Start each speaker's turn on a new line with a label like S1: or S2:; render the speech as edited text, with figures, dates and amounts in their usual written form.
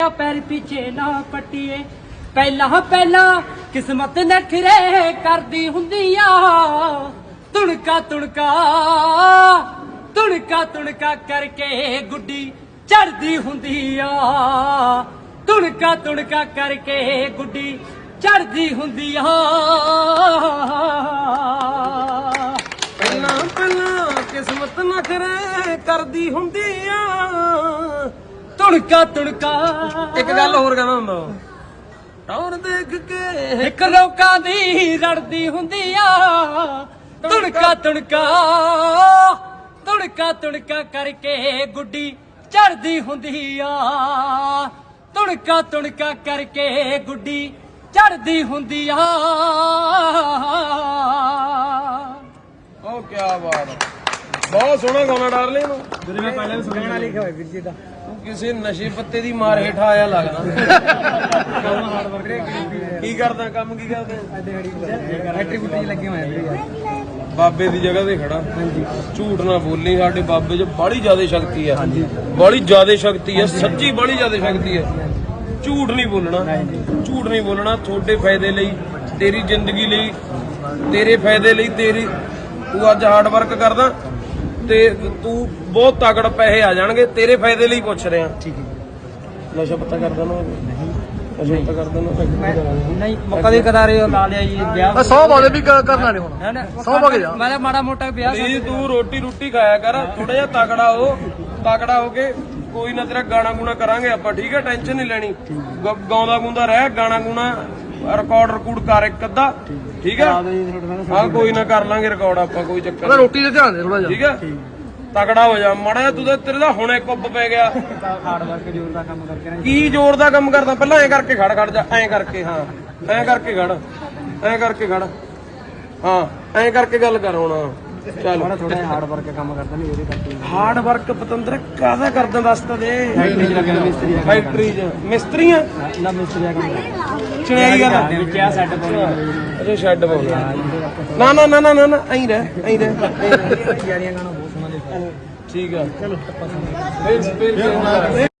S1: पैर पीछे ना पट्टीए पहला पहला किस्मत नखरे करदी हुंदिया तुणका तुणका तुणका तुणका करके गुड्डी चढ़दी हुंदिया तुणका तुणका करके गुड्डी चढ़दी हुंदिया
S2: पहला पहला किस्मत नखरे करदी हुंदिया
S1: तुणका तुणका
S2: एक गल होर कहना हुंदा टौर देख के
S1: एक लोकां दी रड़दी हुंदिया तुणका तुणका तुणका तुणका करके गुड्डी चढ़दी हुंदिया तुणका तुणका करके गुड्डी चढ़दी हुंदिया
S2: ओ क्या बात है बहुत सोहना गाना डार्लिंग ਨੂੰ
S3: ਜਦੋਂ ਮੈਂ ਪਹਿਲਾਂ ਵੀ ਸੁਣਿਆ ਲਿਖਿਆ ਹੋਇਆ ਵੀਰ ਜੀ ਦਾ
S2: ਤੂੰ ਕਿਸੇ ਨਸ਼ੇ ਪੱਤੇ ਦੀ ਮਾਰ ਹੇਠ ਆਇਆ ਲੱਗਦਾ ਕੀ ਕਰਦਾ ਕੰਮ ਕੀ ਕਰਦਾ
S3: ਫੈਕਟਰੀ ਫੁੱਟੀ ਲੱਗੇ ਹੋਏ ਆ ਵੀਰੇ
S2: ਬਾਬੇ ਦੀ ਜਗ੍ਹਾ ਤੇ ਖੜਾ
S3: ਹਾਂਜੀ
S2: ਝੂਠ ਨਾ ਬੋਲੀ ਸਾਡੇ ਬਾਬੇ 'ਚ ਬੜੀ ਜ਼ਿਆਦਾ ਸ਼ਕਤੀ ਆ ਬੜੀ ਜ਼ਿਆਦਾ ਸ਼ਕਤੀ ਆ ਸੱਚੀ ਬੜੀ ਜ਼ਿਆਦਾ ਸ਼ਕਤੀ ਆ ਝੂਠ ਨਹੀਂ ਬੋਲਣਾ ਝੂਠ ਨਹੀਂ ਬੋਲਣਾ ਤੁਹਾਡੇ ਫਾਇਦੇ ਲਈ ਤੇਰੀ ਜ਼ਿੰਦਗੀ ਲਈ ਤੇਰੇ ਫਾਇਦੇ ਲਈ ਤੇਰੀ ਤੂੰ ਅੱਜ ਹਾਰਡ ਵਰਕ ਕਰਦਾ ਤੇ ਤੂੰ ਬਹੁਤ ਤਗੜ ਪੈਸੇ ਆ ਜਾਣਗੇ ਤੇਰੇ ਫਾਇਦੇ ਲਈ ਪੁੱਛ ਰਿਹਾ
S3: ਠੀਕ ਹੈ
S2: ਨਸ਼ਾ ਪੱਤਾ ਕਰਦਾ ਨਾ ਨਸ਼ਾ ਪੱਤਾ ਕਰਦਾ ਨਾ
S1: नहीं कभी कदारे ला लिया ये ब्याह
S3: 100 ਵਾਲੇ ਵੀ ਕਰਨਾ ਨਹੀਂ ਹੁਣ 100 ਵਗੇ ਜਾ
S1: मैं माड़ा मोटा ब्याह
S2: ਨਹੀਂ ਤੂੰ ਰੋਟੀ ਖਾਇਆ ਕਰ ਥੋੜਾ ਜਿਹਾ ਤਗੜਾ ਹੋ ਕੇ ਕੋਈ ਨਾ ਤੇਰਾ ਗਾਣਾ ਗੂਣਾ ਕਰਾਂਗੇ ਆਪਾਂ ਠੀਕ ਹੈ ਟੈਨਸ਼ਨ ਨਹੀਂ ਲੈਣੀ ਗਾਉਂਦਾ ਗੁੰਦਾ ਰਹਿ ਗਾਣਾ ਗੂਣਾ ਰਿਕਾਰਡ ਕਰ ਇੱਕ ਅੱਧਾ ਠੀਕ ਹੈ ਹਾਂ ਕੋਈ ਨਾ ਕਰ ਲਾਂਗੇ ਰਿਕਾਰਡ ਆਪਾਂ ਕੋਈ ਚੱਕਰ ਨਹੀਂ
S3: ਰੋਟੀ ਤੇ ਧਿਆਨ ਦੇ ਥੋੜਾ ਜਿਹਾ
S2: ਠੀਕ ਹੈ ਤਗੜਾ ਹੋ ਜਾ ਮਾੜਾ ਜਿਹਾ ਤੂੰ ਤਾਂ ਤੇਰੇ ਦਾ ਹੁਣੇ ਕੁੱਬ ਪੈ ਗਿਆ
S1: हार्ड वर्क जोर का काम करके ना
S2: ਕੀ ਜ਼ੋਰ ਦਾ ਕੰਮ ਕਰਦਾ ਪਹਿਲਾਂ ਐਂ ਕਰਕੇ ਖੜ ਜਾ ਐਂ ਕਰਕੇ ਹਾਂ ਐਂ ਕਰਕੇ ਖੜ ਐਂ ਕਰਕੇ ਖੜ ਹਾਂ ਐਂ ਕਰਕੇ ਗੱਲ ਕਰ ਹੁਣ ਚੱਲ
S1: थोड़ा हार्ड वर्क का काम करता नहीं ਉਹਦੇ ਕਰਕੇ
S2: ਹਾਰਡ ਵਰਕ ਪਤੰਦਰ ਕਾਹਦਾ ਕਰਦਾ ਦੱਸ ਤਾਂ ਦੇ
S1: ਫੈਕਟਰੀ ਚ ਲੱਗਿਆ ਮਿਸਤਰੀ ਦਾ
S2: ਫੈਕਟਰੀ 'ਚ ਮਿਸਤਰੀਆਂ
S1: ਨਾ ਮਿਸਤਰੀ ਦਾ ਕੰਮ
S2: ਚੜਾਈ ਕਰਦਾ
S1: ਵਿੱਚ ਆ ਸੈੱਟ ਪਾਉਣਾ
S2: ਅੱਛਾ ਸ਼ੈੱਡ ਪਾਉਣਾ ਨਾ ਐਂ ਰਹਿ
S1: ਯਾਰੀਆਂ ਗਾਣਾ ਬਹੁਤ ਸੋਹਣਾ ਲਿਖਿਆ
S2: ਠੀਕ ਆ ਚਲੋ ਫਿਰ